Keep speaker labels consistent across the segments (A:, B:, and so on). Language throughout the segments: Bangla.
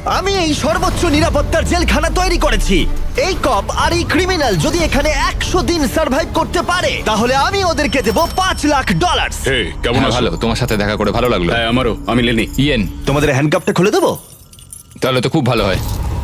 A: আমি এই সর্বোচ্চ নিরাপত্তার জেলখানা তৈরি করেছি। এই কপ আর এই ক্রিমিনাল যদি এখানে 100 দিন সার্ভাইভ করতে পারে তাহলে আমি ওদেরকে দেবো $5,00,000।
B: হে, কেমন আছো?
C: ভালো, তোমার সাথে দেখা করে ভালো লাগলো।
B: হ্যাঁ, আমারও। আমি লেনি।
C: ইয়েন,
A: তোমাদের হ্যান্ডকাপটা খুলে দেবো?
C: তাহলে তো খুব ভালো হয়।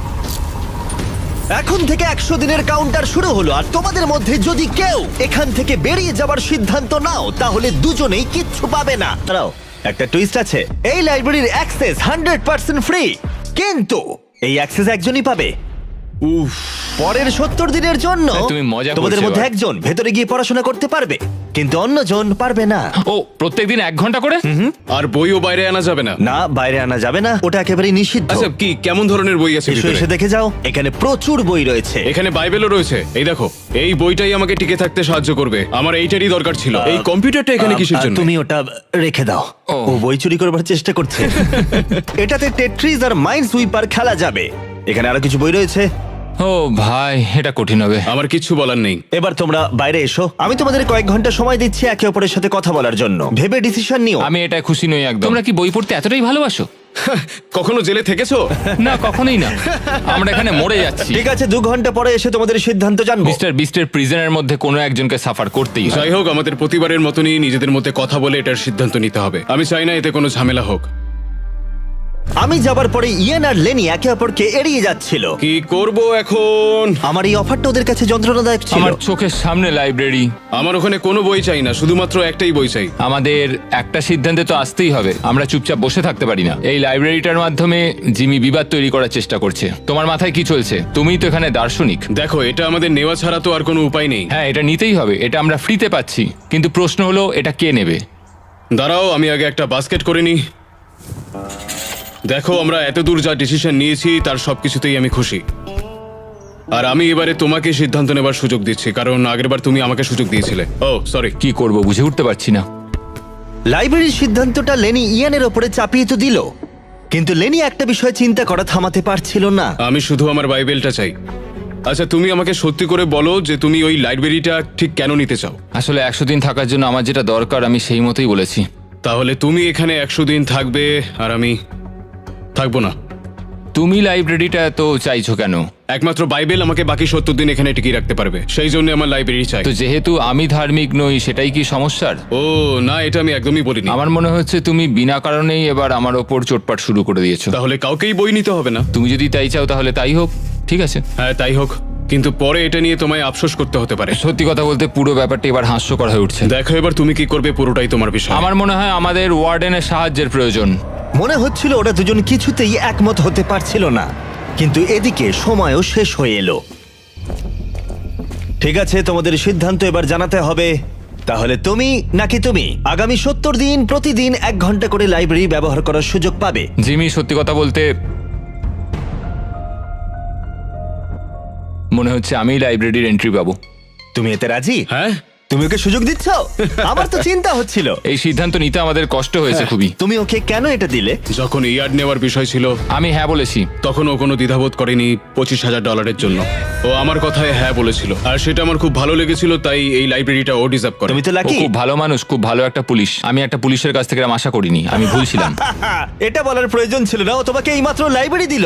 A: এখন থেকে 100 দিনের কাউন্টার শুরু হলো, আর তোমাদের মধ্যে যদি কেউ এখান থেকে বেরিয়ে যাবার সিদ্ধান্ত নাও তাহলে দুজনেই কিচ্ছু পাবে না। দাঁড়াও, একটা টুইস্ট আছে। এই লাইব্রেরির অ্যাক্সেস 100% ফ্রি, কিন্তু এই অ্যাক্সেস একজনই পাবে।
B: উফ,
A: পরের 70 দিনের জন্য
C: তুমি মজা করছো
A: তোমাদের মধ্যে
C: এবার।
A: একজন ভেতরে গিয়ে পড়াশোনা করতে পারবে, কিন্তু অন্যজন পারবে না।
C: ও, প্রত্যেকদিন 1 ঘন্টা করে?
B: আর বইও বাইরে আনা যাবে না?
A: না, বাইরে আনা যাবে না, ওটা একেবারেই নিষিদ্ধ।
B: আচ্ছা, কি কেমন ধরনের বই আছে
A: এসো,
B: ভিতরে?
A: এসে দেখে যাও, এখানে প্রচুর বই রয়েছে।
B: এখানে বাইবেলও রয়েছে। এই দেখো, এই বইটাই আমাকে টিকে থাকতে সাহায্য করবে। আমার এইটারই দরকার ছিল। এই কম্পিউটারটা এখানে কিসের জন্য?
A: তুমি ওটা রেখে দাও।
C: ও।
A: ও বই চুরি করবার চেষ্টা করছে। এটাতে টেট্রিজ আর মাইন্ড সুইপার খেলা যাবে। এখানে আরো কিছু বই রয়েছে।
C: ও ভাই, এটা কঠিন হবে।
B: আমার কিচ্ছু বলার নেই।
A: এবার তোমরা বাইরে এসো, আমি তোমাদের কয়েক ঘন্টা সময় দিচ্ছি একে অপরের সাথে কথা বলার জন্য। ভেবে ডিসিশন নিও।
C: আমি এটা খুশি নই একদম। তোমরা কি বই পড়তে এতটাই ভালোবাসো?
B: কখনো জেলে থেকেছো?
C: না, কখনোই না। আমরা এখানে মরে যাচ্ছি।
A: ঠিক আছে, 2 ঘন্টা পরে এসে তোমাদের সিদ্ধান্ত জানবো।
C: মিস্টার বিস্টের প্রিজনের মধ্যে কোনো একজনকে সাফার করতেই হয়।
B: যাই হোক, আমাদের প্রতিবারের মতনই নিজেদের মধ্যে কথা বলে এটার সিদ্ধান্ত নিতে হবে। আমি চাই না এতে কোনো ঝামেলা হোক।
A: আমি যাবার পরে ইয়েন আর লেনি একে অপরকে এড়িয়ে যাচ্ছিল।
B: কি করব এখন?
A: আমার এই অফারটা ওদের কাছে যন্ত্রণাদায়ক ছিল।
C: আমার চোখের সামনে লাইব্রেরি।
B: আমার ওখানে কোনো বই চাই না, শুধুমাত্র একটাই বই চাই।
C: আমাদের একটা সিদ্ধান্তে তো আসতেই হবে। আমরা চুপচাপ বসে থাকতে পারি না। এই লাইব্রেরিটার মাধ্যমে জিমি বিবাদ তৈরি করার চেষ্টা করছে। তোমার মাথায় কি চলছে? তুমিই তো এখানে দার্শনিক।
B: দেখো, এটা আমাদের নেওয়া ছাড়া তো আর কোনো উপায় নেই।
C: হ্যাঁ, এটা নিতেই হবে। এটা আমরা ফ্রিতে পাচ্ছি, কিন্তু প্রশ্ন হলো এটা কে নেবে?
B: দাঁড়াও, আমি আগে একটা বাস্কেট করে নিই। দেখো, আমরা এত দূর যা ডিসিশন নিয়েছি তার সবকিছুতেই আমি খুশি। আর আমি এবারে তোমাকে সিদ্ধান্ত নেবার সুযোগ দিচ্ছি, কারণ আগেরবার তুমি আমাকে সুযোগ দিয়েছিলে। Oh sorry.
C: কি করব বুঝে উঠতে পারছি না।
A: লাইব্রেরির সিদ্ধান্তটা লেনি ইয়ানের ওপরে চাপিয়ে তো দিল, কিন্তু লেনি একটা বিষয় চিন্তা করা থামাতে পারছিল না।
B: আমি শুধু আমার বাইবেলটা চাই। আচ্ছা, তুমি আমাকে সত্যি করে বলো যে তুমি ওই লাইব্রেরিটা ঠিক কেন নিতে চাও?
C: আসলে 100 দিন থাকার জন্য আমার যেটা দরকার আমি সেই মতোই বলেছি।
B: তাহলে তুমি এখানে 100 দিন থাকবে আর আমি থাকবো না।
C: তুমি লাইব্রেরিটা তো চাইছো কেন?
B: একমাত্র বাইবেল আমাকে বাকি 70 দিন এখানে টিকিয়ে রাখতে পারবে, সেই জন্য আমার লাইব্রেরি চাই।
C: তো যেহেতু আমি ধার্মিক নই, সেটাই কি সমস্যার?
B: ও না, এটা আমি একদমই বলিনি।
C: আমার মনে হচ্ছে তুমি বিনা কারণেই এবার আমার ওপর চোটপাট শুরু করে দিয়েছো।
B: তাহলে কাউকেই বই নিতে হবে না?
C: তুমি যদি তাই চাও তাহলে তাই হোক, ঠিক আছে।
B: হ্যাঁ, তাই হোক, কিন্তু পরে এটা নিয়ে তোমায় আফসোস করতে হতে পারে।
C: সত্যি কথা বলতে পুরো ব্যাপারটা এবার হাস্যকর হয়ে উঠছে।
B: দেখো, এবার তুমি কি করবে পুরোটাই তোমার বিষয়।
C: আমার মনে হয় আমাদের ওয়ার্ডেনের সাহায্যের প্রয়োজন।
A: মনে হচ্ছিল ওরা দুজন কিছুতেই একমত হতে পারছিল না, কিন্তু এদিকে সময়ও শেষ হয়ে এলো। ঠিক আছে, তোমাদের সিদ্ধান্ত এবার জানাতে হবে। তাহলে তুমি নাকি তুমি আগামী 70 দিন প্রতিদিন 1 ঘন্টা করে লাইব্রেরি ব্যবহার করার সুযোগ পাবে।
C: জিমি, সত্যি কথা বলতে মনে হচ্ছে আমি লাইব্রেরির এন্ট্রি পাবো।
A: তুমি এতে রাজি?
B: হ্যাঁ,
A: তুমি ওকে সুযোগ দিচ্ছ? আমার তো চিন্তা হচ্ছিল।
C: এই সিদ্ধান্ত নিতে আমাদের কষ্ট হয়েছে খুবই।
A: তুমি ওকে কেন এটা দিলে?
B: যখন ইয়ার্ড নেওয়ার বিষয় ছিল
C: আমি হ্যাঁ বলেছি।
B: তখন ও কোনো দ্বিধাবোধ করেনি $25,000 জন্য। ও আমার কথায় হ্যাঁ বলেছিল, আর সেটা আমার খুব ভালো লেগেছিল, তাই এই লাইব্রেরিটা ও ডিজার্ভ করে।
A: তুমি তো
C: ও
A: লাকি।
C: খুব ভালো মানুষ, খুব ভালো একটা পুলিশ। আমি একটা পুলিশের কাছ থেকে এরম আশা করিনি, আমি ভুলছিলাম।
A: এটা বলার প্রয়োজন ছিল না, ও তোমাকে এইমাত্র লাইব্রেরি দিল।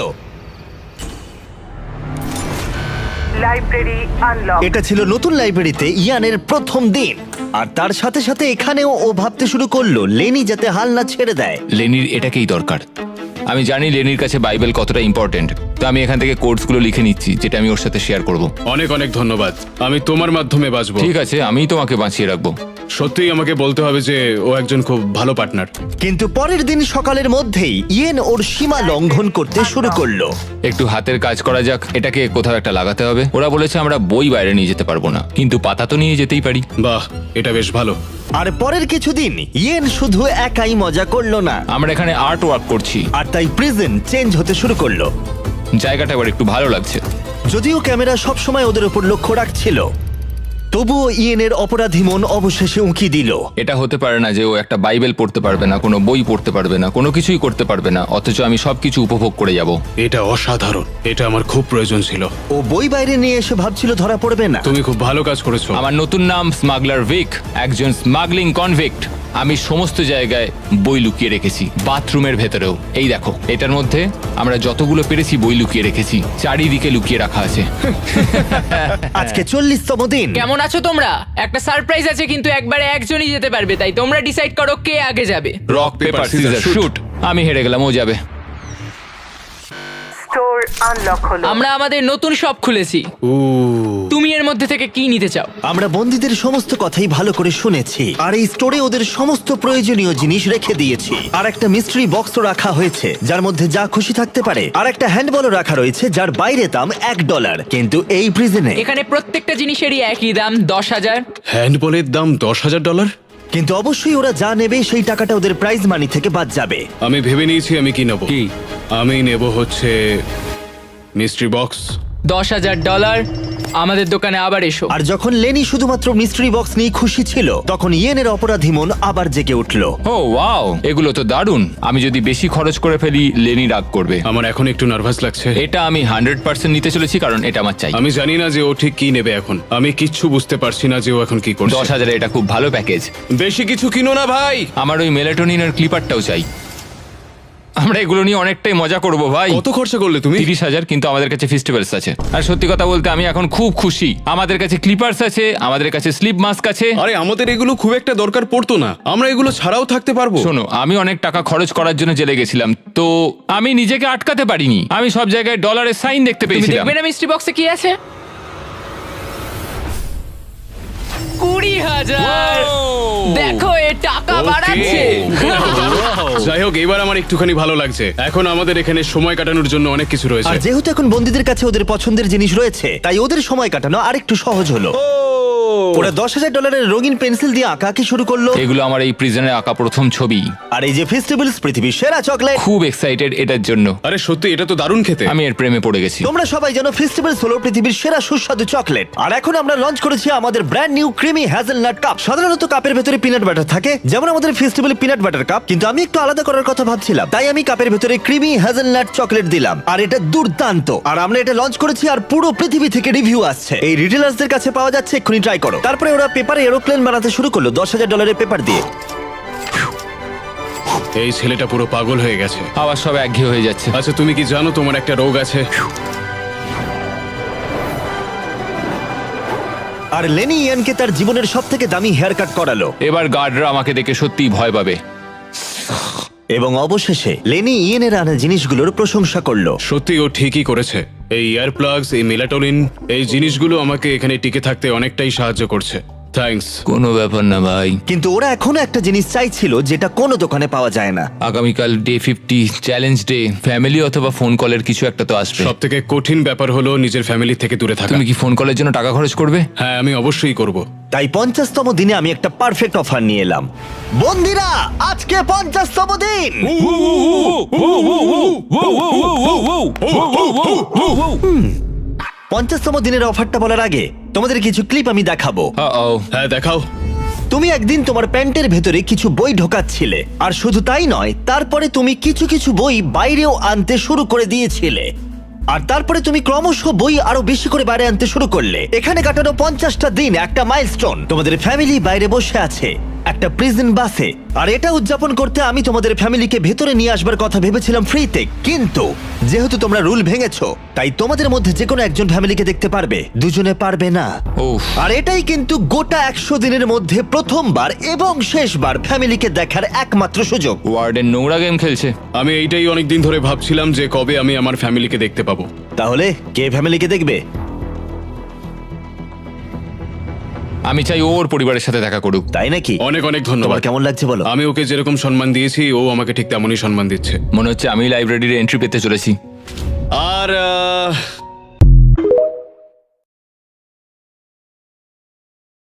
D: Library unlock.
A: এটা ছিল নতুন লাইব্রেরিতে ইয়ানের প্রথম দিন, আর তার সাথে সাথে এখানেও ও ভাবতে শুরু করলো লেনি যাতে হাল না ছেড়ে দেয়।
C: লেনির এটাকেই দরকার। আমি জানি লেনির কাছে বাইবেল কতটা ইম্পর্টেন্ট, তো আমি এখান থেকে কোডসগুলো লিখে নিচ্ছি যেটা আমি ওর সাথে শেয়ার করব।
B: অনেক অনেক ধন্যবাদ, আমি তোমার মাধ্যমে বাঁচবো।
C: ঠিক আছে, আমিই তোমাকে বাঁচিয়ে রাখবো।
B: সত্যিই আমাকে বলতে হবে যে ও একজন খুব ভালো পার্টনার।
A: কিন্তু পরের দিন সকালের মধ্যেই ইয়েন ওর সীমা লঙ্ঘন করতে শুরু করলো।
C: একটু হাতের কাজ করা যাক, এটাকে কোথাও একটা লাগাতে হবে। ওরা বলেছে আমরা বই বাইরে নিয়ে যেতে পারবো না, কিন্তু পাতা তো নিয়ে যেতেই পারি।
B: বাহ, এটা বেশ ভালো।
A: আর পরের কিছুদিন ইয়েন শুধু একাই মজা করলো না,
C: আমরা এখানে আর্ট ওয়ার্ক করছি,
A: আর তাই প্রিজন চেঞ্জ হতে শুরু করলো।
C: জায়গাটা এবার একটু ভালো লাগছে।
A: যদিও ক্যামেরা সবসময় ওদের উপর লক্ষ্য রাখছিল, তবুও ইয়েনের অপরাধী মন অবশেষে উঁকি দিল।
C: এটা হতে পারে না যে ও একটা বাইবেল পড়তে পারবে না, কোনো বই পড়তে পারবে না, কোনো কিছুই করতে পারবে না, অথচ আমি সবকিছু উপভোগ করে যাব।
B: এটা অসাধারণ, এটা আমার খুব প্রয়োজন ছিল।
A: ও বই বাইরে নিয়ে এসে ভাবছিল ধরা পড়বে না।
B: তুমি খুব ভালো কাজ করেছো।
C: আমার নতুন নাম স্মাগলার ভিক, একজন স্মাগলিং কনভিক্ট। আমি সমস্ত জায়গায় বই লুকিয়ে রেখেছি, বাথরুমের ভেতরেও। এই দেখো, এটার মধ্যে আমরা যতগুলো পেরেছি বই লুকিয়ে রেখেছি, চারিদিকে লুকিয়ে রাখা আছে।
A: আজকে 40তম দিন।
E: কেমন আছো তোমরা? একটা সারপ্রাইজ আছে, কিন্তু একবারে একজনই যেতে পারবে, তাই তোমরা ডিসাইড করো কে আগে যাবে।
C: Rock paper scissor shoot. আমি হেরে গেলাম, ও যাবে।
D: স্টোর আনলক হলো।
E: আমরা আমাদের নতুন শপ খুলেছি। তুমি এর মধ্যে থেকে কি নিতে চাও?
A: আমরা বন্দীদের সমস্ত কথাই ভালো করে শুনেছি, আর এই স্টোরে ওদের সমস্ত প্রয়োজনীয় জিনিস রেখে দিয়েছি। আর একটা মিস্ট্রি বক্সও রাখা হয়েছে যার মধ্যে যা খুশি থাকতে পারে। আর একটা হ্যান্ডবলও রাখা রয়েছে যার বাইরে দাম $1, কিন্তু এই প্রিজনে
E: এখানে প্রত্যেকটা জিনিসেরই একই দাম, 10,000।
B: হ্যান্ডবলের দাম $10,000।
A: কিন্তু অবশ্যই ওরা যা নেবে সেই টাকাটা ওদের প্রাইজ মানি থেকে বাদ যাবে।
B: আমি ভেবে নিয়েছি আমি কি নেব।
C: কি?
B: আমি নেব হচ্ছে মিস্ট্রি বক্স।
E: $10,000। আমাদের দোকানে আবার এসো।
A: আর যখন লেনি শুধুমাত্র মিস্ট্রি বক্স নিয়ে খুশি ছিল, তখন ইয়েনের অপরাধী মন আবার জেগে উঠলো।
C: ও ওয়াও, এগুলো তো দারুণ। আমি যদি বেশি খরচ করে ফেলি, লেনি রাগ করবে।
B: আমার এখন একটু নার্ভাস লাগছে।
C: এটা আমি 100% নিতে চলেছি, কারণ এটা আমার চাই।
B: আমি জানি না যে ও ঠিক কি নেবে এখন। আমি কিচ্ছু বুঝতে পারছি না যে ও এখন কি করছে।
C: 10,000 এটা খুব ভালো প্যাকেজ।
B: বেশি কিছু কিনো না ভাই।
C: আমার ওই মেলাটোনিনের ক্লিপারটাও চাই। আমরা এগুলো নিয়ে অনেকটাই মজা করব ভাই।
B: কত খরচা করলে তুমি?
C: 30,000, কিন্তু আমাদের কাছে ফেস্টিভ্যালস আছে। আর সত্যি কথা বলতে আমি এখন খুব খুশি। আমাদের কাছে ক্লিপার্স আছে, আমাদের কাছে স্লিপ মাস্ক আছে।
B: আরে আমাদের এগুলো খুব একটা দরকার পড়তো না, আমরা এগুলো ছাড়াও থাকতে পারবো।
C: শোনো, আমি অনেক টাকা খরচ করার জন্য জেলে গেছিলাম, তো আমি নিজেকে আটকাতে পারিনি। আমি সব জায়গায় ডলারের সাইন দেখতে
E: তুমি
C: পেয়েছিলাম।
E: দেখবে না মিস্ট্রি বক্সে কি আছে? 20,000। দেখো, এ টাকা বাড়াচ্ছে।
B: যাই হোক, এবার আমার একটুখানি ভালো লাগছে। এখন আমাদের এখানে সময় কাটানোর জন্য অনেক কিছু
A: আর
B: রয়েছে।
A: যেহেতু এখন বন্দীদের কাছে ওদের পছন্দের জিনিস রয়েছে, তাই ওদের সময় কাটানো আরেকটু সহজ হলো। ওরা $10,000 রঙিন পেন্সিল দিয়ে আঁকাকে শুরু করলো।
C: এগুলো আমার এই প্রিজনে আঁকা প্রথম ছবি।
A: আর এই যে ফেস্টিভ্যালস পৃথিবীর সেরা চকলেট।
C: খুব এক্সাইটেড এটার জন্য।
B: আরে সত্যি, এটা তো দারুণ খেতে।
C: আমি এর প্রেমে পড়ে গেছি।
A: তোমরা সবাই জানো ফেস্টিভ্যালস হলো পৃথিবীর সেরা সুস্বাদু চকলেট। আর এখন আমরা লঞ্চ করেছি আমাদের brand new creamy hazelnut cup. সাধারণত কাপের ভেতরে পিনাট বাটার থাকে, যেমন আমাদের ফেস্টিভ্যাল পিনাট বাটার কাপ, কিন্তু আমি একটু আলাদা করার কথা ভাবছিলাম, তাই আমি কাপের ভেতরে ক্রিমি হ্যাজেলনাট চকলেট দিলাম। আর এটা দুর্দান্ত। আর আমরা এটা লঞ্চ করেছি, আর পুরো পৃথিবী থেকে রিভিউ আসছে। এই রিটেলার্সদের কাছে পাওয়া যাচ্ছে, এক্ষুনি ট্রাই করো। তারপরে ওরা পেপারে এরোপ্লেন বানাতে শুরু করলো $10,000 পেপার দিয়ে।
B: এই ছেলেটা পুরো পাগল হয়ে গেছে।
C: আবার সব একঘেয়ে হয়ে যাচ্ছে।
B: আচ্ছা, তুমি কি জানো তোমার একটা রোগ আছে?
A: আর লেনি ইয়ানকে তার জীবনের সবথেকে দামি হেয়ার কাট করালো।
C: এবার গার্ডরা আমাকে দেখে সত্যিই ভয় পাবে।
A: এবং অবশেষে লেনি ইয়েনের আনা জিনিসগুলোর প্রশংসা করলো।
B: সত্যি ও ঠিকই করেছে। এই ইয়ার প্লাগস, এই মেলাটোনিন, এই জিনিসগুলো আমাকে এখানে টিকে থাকতে অনেকটাই সাহায্য করছে। থ্যাঙ্কস।
C: কোনো ব্যাপার না ভাই।
A: কিন্তু ওরা এখনো একটা জিনিস চাইছিল যেটা কোনো দোকানে পাওয়া যায় না।
C: আগামীকাল ডে 50 চ্যালেঞ্জ ডে। ফ্যামিলি অথবা ফোন কলের কিছু একটা তো আসবে।
B: সব থেকে কঠিন ব্যাপার হলো নিজের ফ্যামিলি থেকে দূরে থাকা।
C: তুমি কি ফোন কলের জন্য টাকা খরচ করবে?
B: হ্যাঁ, আমি অবশ্যই করব।
A: তাই 50তম দিনে আমি একটা পারফেক্ট অফার নিয়ে এলাম। বন্ধুরা, আজকে 50তম দিন। 50তম দিনের অফারটা বলার আগে তোমাদের কিছু ক্লিপ আমি দেখাবো।
B: হ্যাঁ, দেখাও।
A: তুমি একদিন তোমার প্যান্টের ভেতরে কিছু বই ঢোকাচ্ছিলে, আর শুধু তাই নয়, তারপরে তুমি কিছু কিছু বই বাইরেও আনতে শুরু করে দিয়েছিলে। আর তারপরে তুমি ক্রমশ বই আরো বেশি করে বাইরে আনতে শুরু করলে। এখানে কাটানো 50টা দিন একটা মাইলস্টোন। তোমাদের ফ্যামিলি বাইরে বসে আছে একটা প্রিজন বাসে, আর এটা উদযাপন করতে আমি তোমাদের ফ্যামিলিকে ভেতরে নিয়ে আসবার কথা ভেবেছিলাম ফ্রিতে। কিন্তু যেহেতু তোমরা রুল ভেঙেছো, তাই তোমাদের মধ্যে যে কোনো একজন ফ্যামিলিকে দেখতে পারবে, দুজনে পারবে না।
C: উফ।
A: আর এটাই কিন্তু গোটা 100 দিনের মধ্যে প্রথমবার এবং শেষবার ফ্যামিলিকে দেখার একমাত্র সুযোগ।
C: ওয়ার্ডেন নোংরা গেম খেলছে।
B: আমি এইটাই অনেকদিন ধরে ভাবছিলাম যে কবে আমি আমার ফ্যামিলিকে দেখতে পাবো।
A: তাহলে কে ফ্যামিলিকে দেখবে?
C: আমি চাই ওর পরিবারের সাথে দেখা করুক।
A: তাই নাকি?
B: অনেক অনেক
A: তোমার
B: ধন্যবাদ।
A: কেমন লাগছে বলো?
B: আমি ওকে যেরকম সম্মান দিয়েছি, ও আমাকে ঠিক তেমনই সম্মান দিচ্ছে।
C: মনে হচ্ছে আমি লাইব্রেরির এন্ট্রি পেতে চলেছি।
B: আর